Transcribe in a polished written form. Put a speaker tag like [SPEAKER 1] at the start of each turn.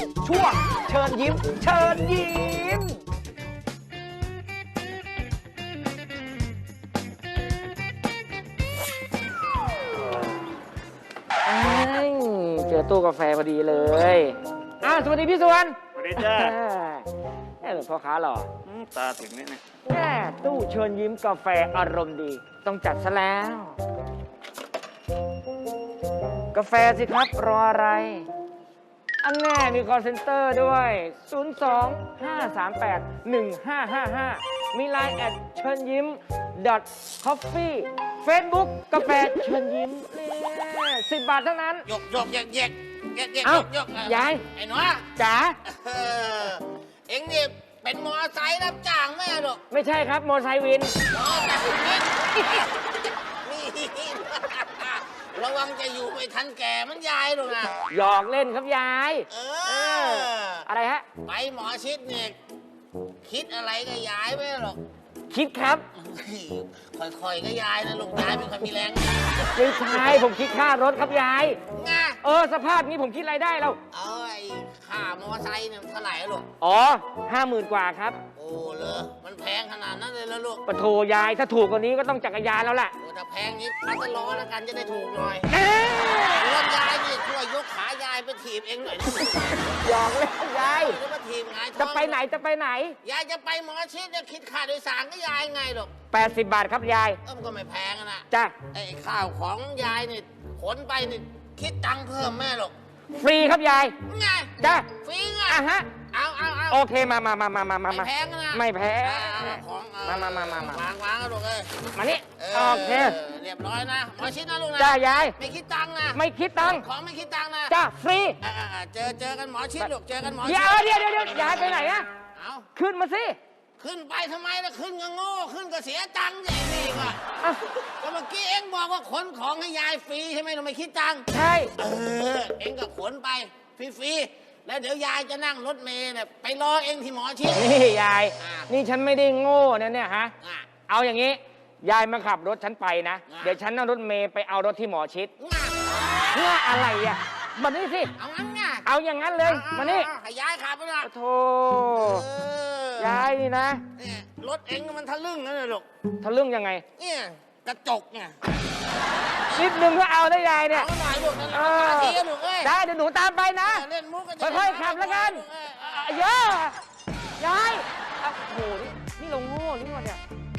[SPEAKER 1] ช่วงเชิญยิ้มเชิญยิ้มเจอตู้กาแฟพอดีเลยสวัสดีพี่สวน
[SPEAKER 2] สวัสดีจ้า
[SPEAKER 1] พ่อค้าหรอ
[SPEAKER 2] ตาถึงนี่เนี่ย
[SPEAKER 1] ตู้เชิญยิ้มกาแฟอารมณ์ดีต้องจัดซะแล้วกาแฟสิครับรออะไรอันแน่มี call center ด้วย 02-538-1555 มี Line แอดเชิญยิ้ม .coffee Facebook กาแฟเชิญยิ้มนี่10 บาทเท่านั้น
[SPEAKER 3] ยกแยก
[SPEAKER 1] ยาย
[SPEAKER 3] ไอ้หนู
[SPEAKER 1] จ๋า
[SPEAKER 3] เอ็งนี่เป็นมอไซค์รับจ้างไหมลูก
[SPEAKER 1] ไม่ใช่ครับมอไซค์วิน
[SPEAKER 3] นี่ระวังจะอยู่ไม่ทันแก่มันยายลูกนะ
[SPEAKER 1] หยอกเล่นครับยายอะไรฮะ
[SPEAKER 3] ไปหมอชิดเนี่ยคิดอะไรกับยายไหมหรอก
[SPEAKER 1] คิดครับ
[SPEAKER 3] ค่อยๆก็ยายนะลูกยายเป็นคนมีแรง
[SPEAKER 1] ไม่ใช่ผมคิดค่ารถครับยาย
[SPEAKER 3] ไง
[SPEAKER 1] สภาพนี้ผมคิดอะไรได้เรา
[SPEAKER 3] ไอ้ค่ามอไซค์เนี่ยเท่าไหร่ลูก
[SPEAKER 1] 50,000 กว่าครับ
[SPEAKER 3] โอ้เหรอมันแพงขนาดนั้นเลยแล้วลูก
[SPEAKER 1] ปะโถยายถ้าถูกกว่านี้ก็ต้องจักรยานแล้วล่ะ
[SPEAKER 3] ถ้าแพงนี้พัดล้อแล้วกันจะได้ถูกหน่อยรถยายนี่ช่วยยกขายายไปถีบเองหน่อย
[SPEAKER 1] หยอกเลยยาย
[SPEAKER 3] จะมาถีบไง
[SPEAKER 1] จะไปไหน
[SPEAKER 3] ยายจะไปหมอชิดจะคิดค่าโดยสารก็ยายไงลูก
[SPEAKER 1] 80 บาทครับยาย
[SPEAKER 3] มันก็ไม่แพงนะ
[SPEAKER 1] จ้ะ
[SPEAKER 3] ไอ้ข้าวของยายนี่ขนไปนี่คิดตังค์เพิ่มแม่หรอก
[SPEAKER 1] ฟรีครับยาย
[SPEAKER 3] ไง
[SPEAKER 1] จ้ะ
[SPEAKER 3] ฟรีไง
[SPEAKER 1] ฮะ
[SPEAKER 3] เอา
[SPEAKER 1] โอเคมา
[SPEAKER 3] ไม่แพงนะ
[SPEAKER 1] ไม่แพง
[SPEAKER 3] ของวางลูกเลย
[SPEAKER 1] มานี่โอเค
[SPEAKER 3] เรียบร้อยนะหมอชิดนะลูกนะ
[SPEAKER 1] จ้ายาย
[SPEAKER 3] ไม่คิดตังค์นะ
[SPEAKER 1] ไม่คิดตังค์
[SPEAKER 3] ของไม่คิดตังค์นะ
[SPEAKER 1] จ้าฟรี
[SPEAKER 3] เจอกันหมอชิดลูกเจอกันหมอชิด
[SPEAKER 1] เดี๋ยวยายไปไหนอะขึ้นมาสิ
[SPEAKER 3] ขึ้นไปทำไมล่ะขึ้นก็โง่ขึ้นก็เสียตังค์อย่างนี้ว่ะก็เมื่อกี้เอ็งบอกว่าขนของให้ยายฟรีใช่ไหมเราไม่คิดตังค์
[SPEAKER 1] ใช่
[SPEAKER 3] เอ็งก็ขนไปฟรีแล้วเดี๋ยวยายจะนั่งรถเมล์เนี่ยไปรอเอ็งที่หมอชิด
[SPEAKER 1] นี่ยายนี่ฉันไม่ได้โง่นะเนี่ยฮะเอาอย่างนี้ยายมาขับรถฉันไปนะเดี๋ยวฉันนั่งรถเมล์ไปเอารถที่หมอชิดเพื่ออะไรอ่ะมานี่สิ
[SPEAKER 3] เอางั้นไง
[SPEAKER 1] เอาอย่างนั้นเลยมานี่
[SPEAKER 3] ยายขับไปละ
[SPEAKER 1] โธ่ยายนี่นะ
[SPEAKER 3] รถเอ็งมันทะลึ่งนะลูก
[SPEAKER 1] ทะลึ่งยังไง
[SPEAKER 3] เนี่ยกระจกเนี่ย
[SPEAKER 1] นิดนึงก็เอาได้ยายเนี่ย
[SPEAKER 3] เอาหน่อยลูก
[SPEAKER 1] ได้เดี๋ยวหนูตามไปนะ
[SPEAKER 3] เล่นมุก
[SPEAKER 1] ค่อยๆขับแล้วกันเยอะยายโอ้โหนี่เราโง่นี่หว่าเนี่ย